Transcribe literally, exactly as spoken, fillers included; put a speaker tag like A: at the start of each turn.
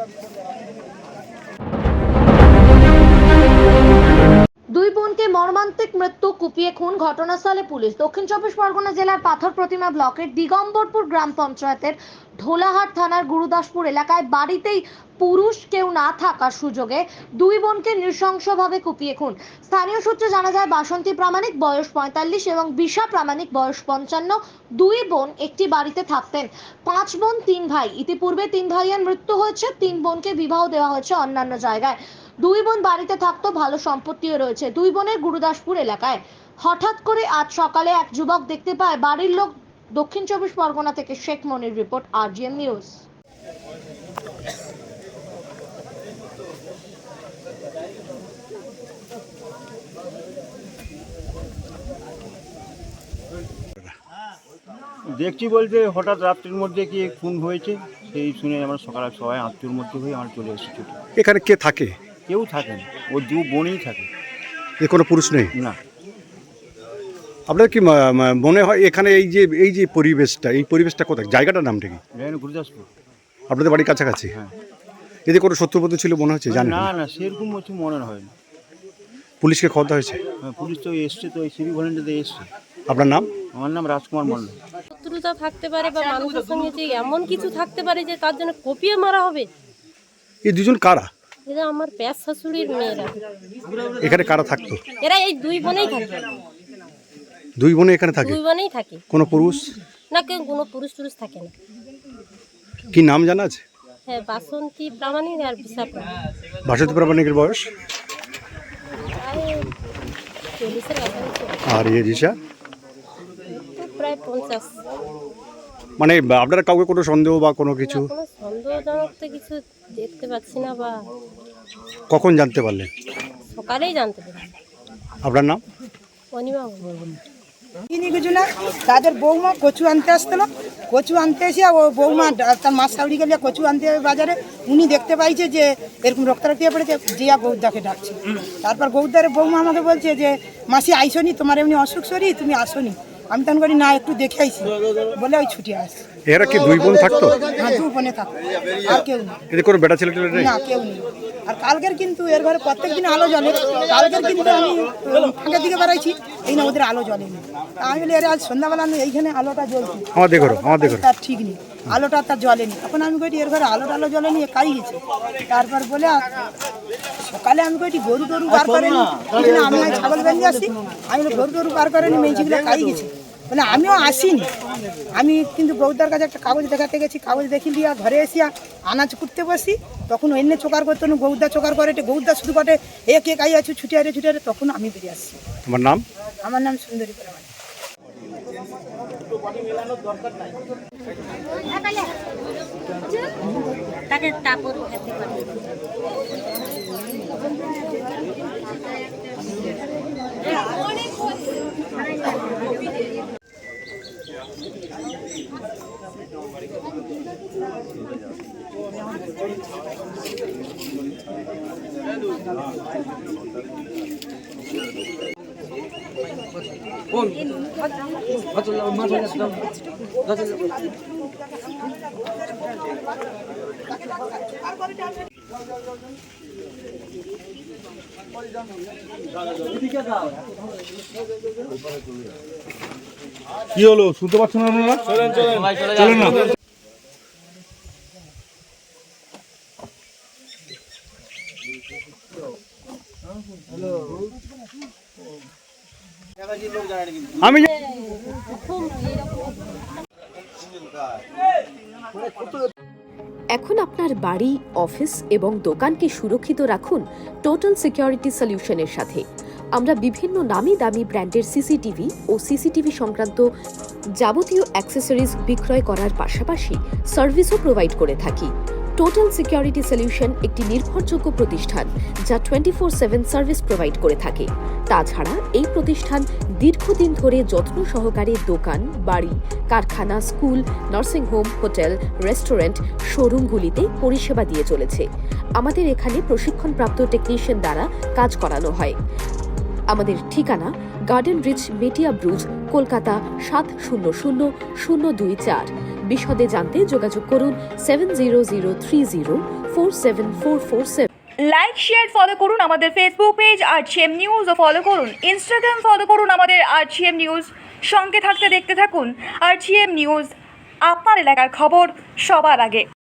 A: দুই বোনকে মর্মান্তিক মৃত্যু, কুপিয়ে খুন, ঘটনাস্থলে পুলিশ। দক্ষিণ চব্বিশ পরগনা জেলার পাথর প্রতিমা ব্লকের দিগম্বরপুর গ্রাম পঞ্চায়েতের ঢোলাহাট থানার গুরুদাসপুর এলাকায় বাড়িতেই পুরুষ কেউ না থাকার সুযোগে দুই বোনকে নৃশংসভাবে কুপিয়ে খুন। স্থানীয় সূত্রে জানা যায়, বাসন্তী প্রামাণিক বয়স পঁয়তাল্লিশ এবং বিশা প্রামাণিক বয়স পঞ্চান্ন দুই বোন একটি বাড়িতে থাকতেন। পাঁচ বোন তিন ভাই। ইতিপূর্বে তিন ভাইয়ের মৃত্যু হয়েছে, তিন বোনকে বিবাহ দেওয়া হয়েছে অন্যান্য জায়গায়। দুই বোন বাড়িতে থাকতো, ভালো সম্পত্তিও রয়েছে দুই বোনের গুরুদাসপুর এলাকায়। হঠাৎ করে আজ সকালে এক যুবক দেখতে পায় বাড়ির লোক। দক্ষিণ চব্বিশ পরগনা থেকে Sheikh Monir report, RGN news.
B: দেখছি বলতে হঠাৎ রাত্রির মধ্যে কি খুন হয়েছে, সেই শুনে আমরা সকালে সবাই আত্মীয়র মধ্যে হয়ে আমরা চলে এসেছি ছুটে।
C: এখানে কে থাকে?
B: কেউ থাকে না, ও দু বোনই থাকে।
C: এ কোনো পুরুষ নেই?
B: না।
C: আপনার কি ম- ম- মনে হয় এখানে এই যে এই যে পরিবেশটা, এই পরিবেশটা কোথায়, জায়গাটার নামটা কি?
B: জানি গুরুদাসপুর।
C: আপনাদের বাড়ির কাছাকাছি?
B: হ্যাঁ।
C: এতে কোনো শত্রুপক্ষ ছিল মনে হচ্ছে? জানেন?
B: না না, সেরকম কিছু মনে হয় না।
C: পুলিশকে খবর দেওয়া হয়েছে?
B: হ্যাঁ, পুলিশ তো এসছে, তো এই সিভিক ভলেন্টিয়ারতে এসছে।
C: আপনার নাম?
B: আমার নাম রাজকুমার মণ্ডল।
D: শত্রুতা থাকতে পারে বা মানুষের সঙ্গে যে এমন কিছু থাকতে পারে যে তার জন্য কপিয়ে মারা হবে।
C: এই দুজন কারা?
D: এরা আমার প্যাস শাশুড়ির মেয়েরা।
C: এখানে কারা থাকতো?
D: এরা এই দুই বোনেই থাকে।
C: দুই বোনে এখানে থাকে?
D: দুই বোনেই থাকে।
C: কোনো পুরুষ?
D: না, কেউ কোনো পুরুষ টুরুষ থাকে না।
C: কি নাম জানা আছে?
D: হ্যাঁ, বাসন্তী প্রামাণিক আর বিশা প্রামাণিক।
C: বাসন্তী প্রামাণিকের বয়স?
D: প্রায় চল্লিশের কাছাকাছি।
C: আর ইয়ে রিসা?
D: তো প্রায় পঞ্চাশ।
C: মানে আপনারা কাউকে কোনো সন্দেহ বা কোনো কিছু?
D: না, কোনো সন্দেহজনক তো কিছু দেখতে পাচ্ছি না। বা
C: কখন জানতে পারলেন?
D: সকালেই জানতে পারি।
C: আপনার নাম?
D: অনিমা
E: চিনি কিছু না, তাদের বৌমা কচু আনতে আসছিল। কচু আনতে এসে ও বৌমা তার মাছ সাউরি গেলে কচু আনতে হবে বাজারে। উনি দেখতে পাইছে যে এরকম রক্তারক্তি পড়েছে, জিয়া গৌদাকে ডাকছে। তারপর গৌদারের বৌমা আমাকে বলছে যে মাসি আইসনি, তোমার এমনি অসুখ শরীর, তুমি আসনি। আমি তখন করি না, একটু দেখে আইসি বলে ওই ছুটি আসছে।
C: এরা কি দুই বোন থাকতো?
E: হ্যাঁ, দু বোনে থাকতো, আর কেউ নেই।
C: এদের কোনো বেটা ছেলে টেলে নেই?
E: না, কেউ নেই। আর কালকের কিন্তু এর ঘরে প্রত্যেক দিন আলো জ্বলে। কালকের কিন্তু আমি ফাঁকের দিকে বেড়াইছি, এই না ওদের আলো জ্বলেনি। আমি বলি আরে আজ সন্ধ্যাবেলা আমি এইখানে আলোটা জ্বলছি,
C: আমাদের ঘরে আমাদের ঘরে
E: তার ঠিক নেই, আলোটা তার জ্বলেনি। এখন আমি কইটি এর ঘরে আলো টালো জ্বলেনি, এ কাই গেছে। তারপর বলে সকালে আমি কইটি গরু টরু বার করেনি, আমি ছাগল বেঁধে আসি। আমি বলি গরু টরু বার করেনি, মেয়েছিগুলো কাই গেছে। বলে আমিও আসিনি। আমি কিন্তু বৌদার কাছে একটা কাগজ দেখাতে গেছি, কাগজ দেখি দিয়া ঘরে এসিয়া আনাজ করতে বসি। তখন অন্য চোকার করতো না, গৌদা চোকার করে, গৌদা শুধু কটে এ কে কাই আছো ছুটে আরে ছুটে আরে। তখন আমি বেরিয়ে আসছি।
C: আমার নাম?
E: আমার নাম সুন্দরী প্রামাণিক।
D: তাকে তারপর খেতে পারে।
F: কি হলো, শুনতে পাচ্ছেন না আপনারা? চলেন চলেন না।
C: আমি
G: এখন আপনার বাড়ি, অফিস এবং দোকানকে সুরক্ষিত রাখুন টোটাল সিকিউরিটি সলিউশনের সাথে। আমরা বিভিন্ন নামি দামি ব্র্যান্ডের সিসিটিভি ও সিসিটিভি সংক্রান্ত যাবতীয় অ্যাক্সেসরিজ বিক্রয় করার পাশাপাশি সার্ভিসও প্রোভাইড করে থাকি। টোটাল সিকিউরিটি সলিউশন একটি নির্ভরযোগ্য প্রতিষ্ঠান যা twenty four seven service provide করে থাকে। তাছাড়া এই প্রতিষ্ঠান দীর্ঘদিন ধরে যত্ন সহকারে দোকান, বাড়ি, কারখানা, স্কুল, নার্সিংহোম, হোটেল, রেস্টুরেন্ট, শোরুমগুলিতে পরিষেবা দিয়ে চলেছে। আমাদের এখানে প্রশিক্ষণপ্রাপ্ত টেকনিশিয়ান দ্বারা কাজ করানো হয়। আমাদের ঠিকানা garden reach, Metiabruz, Kolkata সাত শূন্য শূন্য শূন্য দুই চার। বিশদে জানতে যোগাযোগ করুন seven zero zero three zero four seven four four seven.
H: Like share follow করুন আমাদের ফেসবুক পেজ আরজিএম নিউজ ও ফলো করুন ইনস্টাগ্রাম ফলো করুন আমাদের আরজিএম নিউজ। সঙ্গে থাকতে দেখতে থাকুন আরজিএম নিউজ, আপনার এলাকার খবর সবার আগে।